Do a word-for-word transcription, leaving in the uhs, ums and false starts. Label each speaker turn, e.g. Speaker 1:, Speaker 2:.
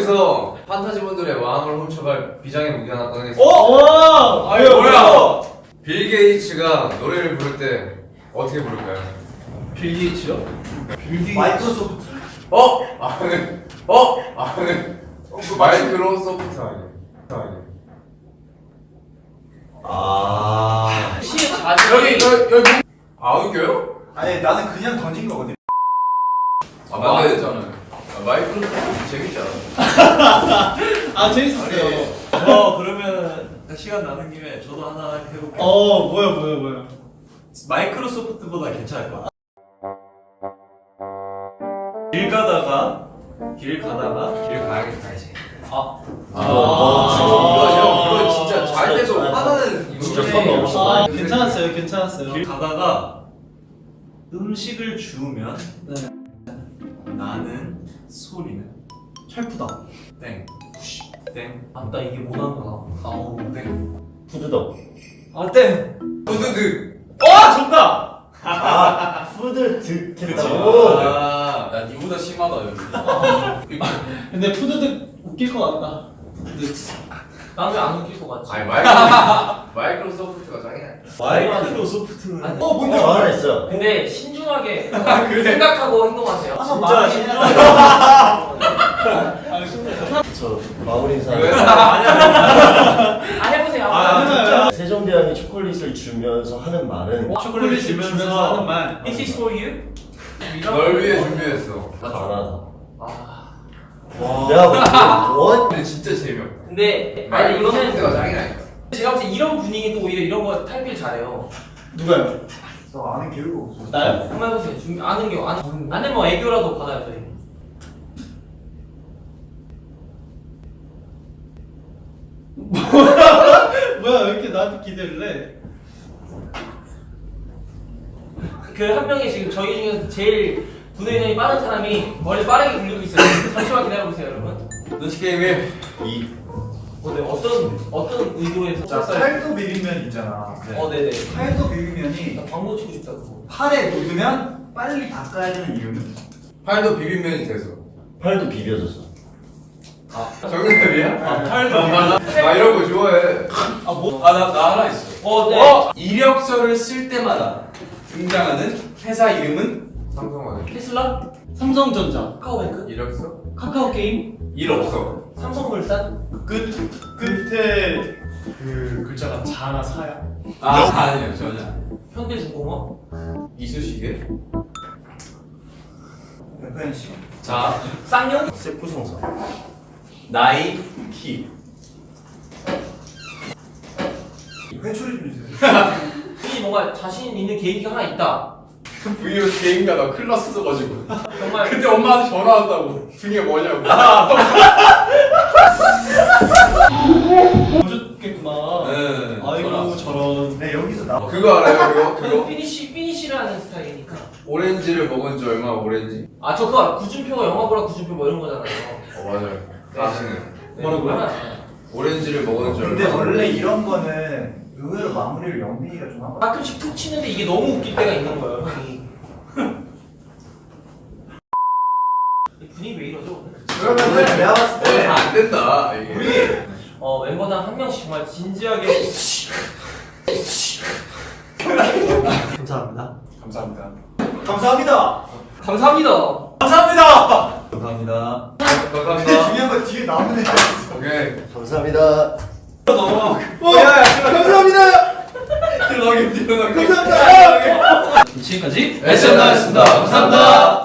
Speaker 1: 여기서 판타지분들의 마음을 훔쳐갈 비장의 무기 하나 꺼내겠습니다.
Speaker 2: 어?
Speaker 1: 아유 뭐야? 빌 게이츠가 노래를 부를 때 어떻게 부를까요?
Speaker 2: 빌 게이츠요? 빌 게이츠.
Speaker 3: 마이크로소프트.
Speaker 1: 어? 아 네. 어? 아 네. 어, 그 마이크로소프트 아니에요? 아니에요.
Speaker 3: 아.
Speaker 2: 시 자주
Speaker 1: 여기 여기 여기 아 웃겨요?
Speaker 3: 아니 나는 그냥 던진 거거든.
Speaker 1: 아 맞았잖아요. 아, 마이크로소프트 재밌지 않아?
Speaker 2: 아 재밌었어요.
Speaker 4: 어 그러면 시간 나는 김에 저도 하나 해볼게요.
Speaker 2: 어 뭐야 뭐야 뭐야.
Speaker 4: 마이크로소프트보다 괜찮을 것 같아. 길 가다가 길 가다가 길 가야겠다 이제.
Speaker 2: 아.
Speaker 1: 아, 이거 형 이거 진짜 잘 돼서 화나는 이거
Speaker 3: 진짜
Speaker 1: 네.
Speaker 3: 선 넘었어.
Speaker 2: 아 괜찮았어요 괜찮았어요.
Speaker 4: 길 가다가 음식을 주우면
Speaker 2: 네.
Speaker 4: 나는 소리는
Speaker 2: 철푸다.
Speaker 4: 땡. 땡.
Speaker 2: 아나 이게 못하는구나. 아우
Speaker 4: 땡.
Speaker 3: 푸드덕.
Speaker 2: 아 땡.
Speaker 1: 푸드득.
Speaker 2: 와 정답.
Speaker 3: 아 푸드
Speaker 4: 그치.
Speaker 3: 득했다고.
Speaker 1: 아, 야 니보다 심하다 여기.
Speaker 2: 근데 푸드득 웃길 것 같다. 푸드득. 나는 안 웃길 것 같지.
Speaker 1: 아니 마이크로 마이크로소프트가 짱이야.
Speaker 4: 마이크로소프트는
Speaker 2: 아니,
Speaker 3: 어 뭔지 하나 있어요.
Speaker 5: 근데 신중하게 생각하고 행동하세요.
Speaker 4: 진짜 신중하게.
Speaker 3: 저 마무리 인사.
Speaker 1: 왜?
Speaker 5: 아 해보세요.
Speaker 4: 아, 진짜.
Speaker 3: 세종대왕이 초콜릿을 주면서 하는 말은
Speaker 2: 초콜릿 주면서 하는 말.
Speaker 5: This is for you.
Speaker 1: 널 위해 준비했어.
Speaker 3: 가난하다.
Speaker 5: 아.
Speaker 3: 내가 원
Speaker 1: 근데 진짜 재미없다.
Speaker 5: 근데 아니
Speaker 1: 마이크로소프트가
Speaker 5: 이거는
Speaker 1: 짱이라니까.
Speaker 5: 제가 봤을 때 이런 분위기도 오히려 이런 거 탈필 잘해요.
Speaker 2: 누가요?
Speaker 3: 너 아는 교육 없어.
Speaker 2: 나요?
Speaker 5: 한번 해보세요. 준비 아는 게 아는 아는 뭐 애교라도 받아요 저희.
Speaker 2: 뭐야 왜 이렇게 나한테 기대를 해?
Speaker 5: 그 한 명이 지금 저희 중에서 제일 분회전이 빠른 사람이 머리 빠르게 굴리고 있어요. 잠시만 기다려보세요 여러분.
Speaker 1: 눈치 게임에
Speaker 3: 이
Speaker 5: 어, 네. 어떤 어떤 의도에서
Speaker 3: 자,
Speaker 5: 쳤어요?
Speaker 3: 팔도 비빔면 있잖아.
Speaker 5: 어 네네.
Speaker 3: 팔도 비빔면이
Speaker 5: 나 광고 치고 싶다 그거.
Speaker 3: 팔에 묻으면 빨리 닦아야 되는 이유는?
Speaker 1: 팔도 비빔면이 돼서.
Speaker 3: 팔도 비벼져서.
Speaker 1: 정답이야?
Speaker 4: 아, 팔도
Speaker 1: 나 이런 거 좋아해.
Speaker 2: 아 뭐?
Speaker 4: 아, 나, 나 하나 있어.
Speaker 5: 어 네.
Speaker 4: 어? 이력서를 쓸 때마다 등장하는 회사 이름은
Speaker 1: 삼성은
Speaker 5: 테슬라?
Speaker 2: 삼성전자.
Speaker 5: 카카오뱅크?
Speaker 1: 이력서?
Speaker 5: 카카오 게임?
Speaker 4: 일 없어.
Speaker 5: 삼성물산?
Speaker 2: 끝 끝에 그 글자가 자나 사야.
Speaker 4: 아, 아니요, 전혀.
Speaker 5: 현대중공업?
Speaker 4: 이쑤시개?
Speaker 3: 백현씨.
Speaker 4: 자,
Speaker 5: 쌍용?
Speaker 3: 세쿠성사.
Speaker 4: 나이, 키.
Speaker 3: 회초리 좀 주세요.
Speaker 5: 이 뭔가 자신 있는 계획이 하나 있다.
Speaker 4: 브이로그 개인가 나 클라스 써가지고.
Speaker 5: 정말
Speaker 4: 그때 엄마한테 전화 왔다고. 등에 뭐냐고.
Speaker 2: 보셨겠구나.
Speaker 4: 네.
Speaker 2: 아이고 저런.
Speaker 3: 네 여기서 나.
Speaker 1: 그거 알아요? 그거?
Speaker 5: 그
Speaker 1: 그거?
Speaker 5: 피니쉬 피니쉬라는 스타일이니까.
Speaker 1: 오렌지를 먹은 지 얼마 오렌지?
Speaker 5: 아 저 그거 알아. 구준표가 영화 보라 구준표 뭐 이런 거잖아요.
Speaker 1: 어 맞아요. 아시는.
Speaker 5: 네,
Speaker 2: 뭐라고요?
Speaker 5: 알아요.
Speaker 1: 오렌지를 먹은 지 얼마
Speaker 3: 근데 원래
Speaker 1: 오렌지.
Speaker 3: 이런 거는 의외로 마무리를 영빈이가 좀 하고.
Speaker 5: 가끔씩 툭 치는데 이게 너무 웃길 때가 있는 거예요, 형이. 이 분위기 왜 이러죠 오늘?
Speaker 3: 그러면은 내가 봤을
Speaker 1: 오늘
Speaker 3: 때
Speaker 1: 안 된다 이게.
Speaker 3: 우리
Speaker 5: 어 멤버당 한 명씩 정말 진지하게.
Speaker 2: 감사합니다.
Speaker 4: 감사합니다.
Speaker 3: 감사합니다.
Speaker 5: 감사합니다.
Speaker 3: 감사합니다.
Speaker 4: 감사합니다.
Speaker 3: 근데
Speaker 1: 감사합니다.
Speaker 3: 중요한 건 뒤에 남은 애가 있어.
Speaker 1: 오케이.
Speaker 3: 감사합니다.
Speaker 1: 넘어가.
Speaker 3: 감사합니다.
Speaker 1: 들어가게 들어가게.
Speaker 3: 감사합니다.
Speaker 2: 지금까지
Speaker 1: 에스엔나였습니다. 감사합니다.